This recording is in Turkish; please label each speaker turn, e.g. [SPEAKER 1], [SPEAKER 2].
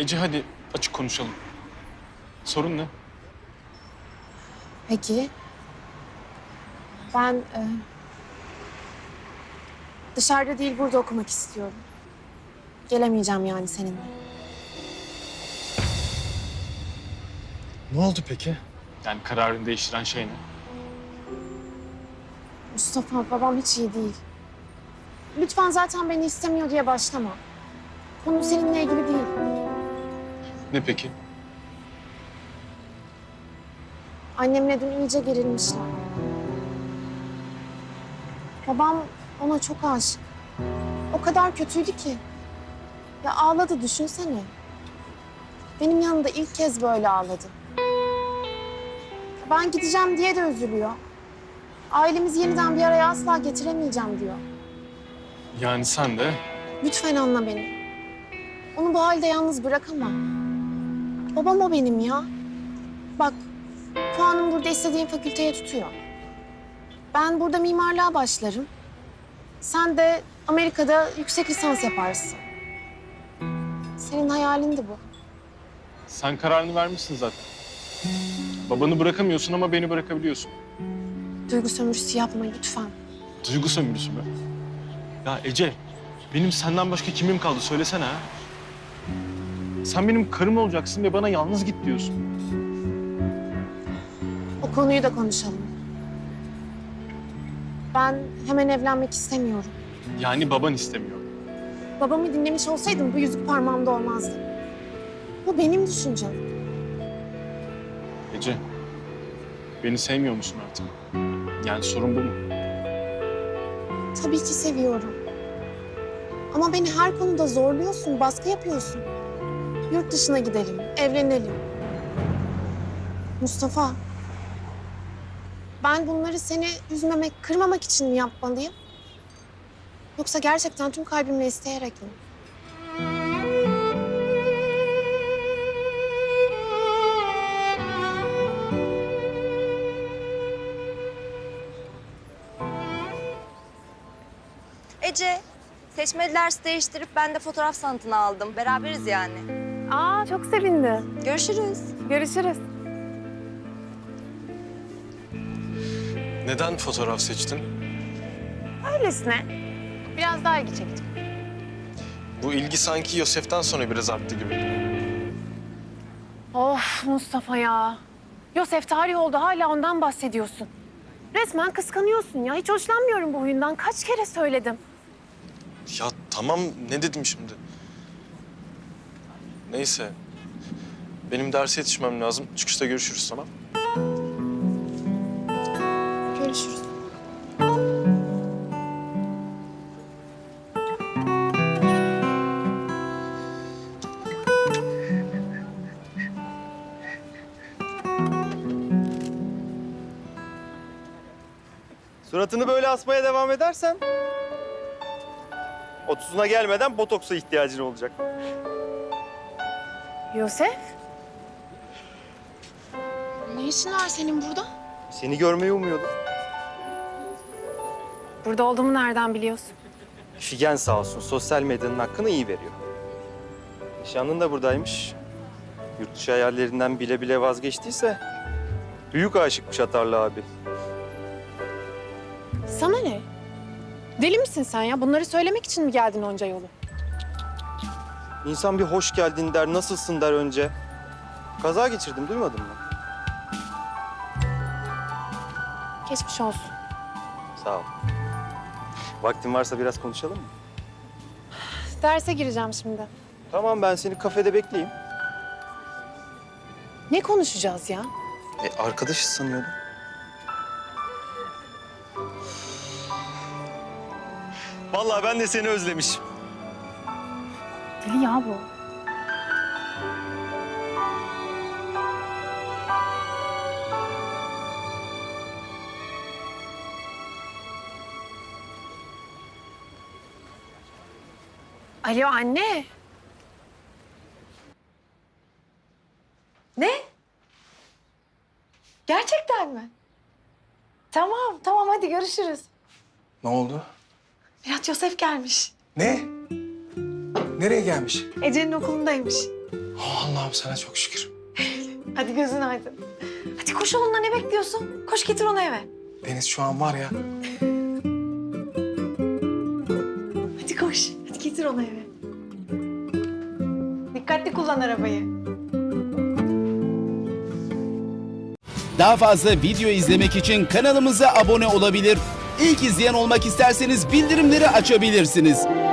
[SPEAKER 1] Ece hadi açık konuşalım. Sorun ne?
[SPEAKER 2] Peki. Ben dışarıda değil burada okumak istiyorum. Gelemeyeceğim yani seninle.
[SPEAKER 1] Ne oldu peki? Yani kararını değiştiren şey ne?
[SPEAKER 2] Mustafa, babam hiç iyi değil. Lütfen zaten beni istemiyor diye başlama. Konu seninle ilgili değil.
[SPEAKER 1] Ne peki?
[SPEAKER 2] Annemle dün iyice gerilmişler. Babam ona çok aşık. O kadar kötüydü ki. Ya ağladı düşünsene. Benim yanımda ilk kez böyle ağladı. Ben gideceğim diye de üzülüyor. Ailemizi yeniden bir araya asla getiremeyeceğim diyor.
[SPEAKER 1] Yani sen de
[SPEAKER 2] Lütfen anla beni. Onu bu halde yalnız bırakamam. Babam o benim ya. Bak, puanım burada istediğim fakülteye tutuyor. Ben burada mimarlığa başlarım. Sen de Amerika'da yüksek lisans yaparsın. Senin hayalindi bu.
[SPEAKER 1] sen kararını vermişsin zaten. Babanı bırakamıyorsun ama beni bırakabiliyorsun.
[SPEAKER 2] Duygu sömürüsü yapma lütfen.
[SPEAKER 1] Duygu sömürüsü mü? Ya Ece, benim senden başka kimim kaldı söylesene ha. Sen benim karım olacaksın ve bana yalnız git diyorsun.
[SPEAKER 2] O konuyu da konuşalım. Ben hemen evlenmek istemiyorum.
[SPEAKER 1] Yani baban istemiyor.
[SPEAKER 2] Babamı dinlemiş olsaydım bu yüzük parmağımda olmazdı. Bu benim düşüncem.
[SPEAKER 1] Ece, beni sevmiyor musun artık? Yani sorun bu mu?
[SPEAKER 2] Tabii ki seviyorum. Ama beni her konuda zorluyorsun, baskı yapıyorsun. Yurt dışına gidelim, evlenelim. Mustafa, ben bunları seni üzmemek, kırmamak için mi yapmalıyım? Yoksa gerçekten tüm kalbimle isteyerek mi?
[SPEAKER 3] Ece, seçmeli ders değiştirip ben de fotoğraf sanatını aldım. Beraberiz yani.
[SPEAKER 2] Aa, çok sevindim.
[SPEAKER 3] Görüşürüz.
[SPEAKER 2] Görüşürüz.
[SPEAKER 1] Neden fotoğraf seçtin?
[SPEAKER 2] Öylesine. Biraz daha ilgi çekici.
[SPEAKER 1] Bu ilgi sanki Yosef'ten sonra biraz arttı gibi.
[SPEAKER 4] Of Mustafa ya. Yosef tarih oldu hala ondan bahsediyorsun. Resmen kıskanıyorsun ya. Hiç hoşlanmıyorum bu huyundan. Kaç kere söyledim.
[SPEAKER 1] Ya tamam, ne dedim şimdi? Neyse. Benim derse yetişmem lazım. Çıkışta görüşürüz, tamam?
[SPEAKER 2] Görüşürüz.
[SPEAKER 5] Suratını böyle asmaya devam edersen 30'una gelmeden botoksa ihtiyacın olacak.
[SPEAKER 4] Yosef?
[SPEAKER 2] Ne işin var senin burada?
[SPEAKER 5] Seni görmeyi umuyordum.
[SPEAKER 4] Burada olduğumu nereden biliyorsun?
[SPEAKER 5] Figen sağ olsun sosyal medyanın hakkını iyi veriyor. Nişanlın da buradaymış. Yurt dışı hayallerinden bile bile vazgeçtiyse büyük aşıkmış Atarlı abi.
[SPEAKER 4] Sana ne? Deli misin sen ya? Bunları söylemek için mi geldin onca yolu?
[SPEAKER 5] İnsan bir hoş geldin der, nasılsın der önce. Kaza geçirdim, duymadın mı?
[SPEAKER 4] Geçmiş olsun.
[SPEAKER 5] Sağ ol. Vaktin varsa biraz konuşalım mı?
[SPEAKER 4] Derse gireceğim şimdi.
[SPEAKER 5] Tamam, ben seni kafede bekleyeyim.
[SPEAKER 4] Ne konuşacağız ya?
[SPEAKER 5] Arkadaşız sanıyordum. Vallahi ben de seni özlemişim.
[SPEAKER 4] Deli ya bu. Alo anne.
[SPEAKER 3] Ne? Gerçekten mi? Tamam, tamam hadi görüşürüz.
[SPEAKER 6] Ne oldu?
[SPEAKER 3] Mirat Yosef gelmiş.
[SPEAKER 6] Ne? Nereye gelmiş?
[SPEAKER 3] Ece'nin okulundaymış.
[SPEAKER 6] Oh, Allah'ım sana çok şükür.
[SPEAKER 4] Hadi gözün aydın. Hadi koş oğlunla, ne bekliyorsun? Koş getir onu eve.
[SPEAKER 6] Deniz şu an var ya.
[SPEAKER 4] Hadi koş. Hadi getir onu eve. Dikkatli kullan arabayı.
[SPEAKER 7] Daha fazla video izlemek için kanalımıza abone olabilir. İlk izleyen olmak isterseniz bildirimleri açabilirsiniz.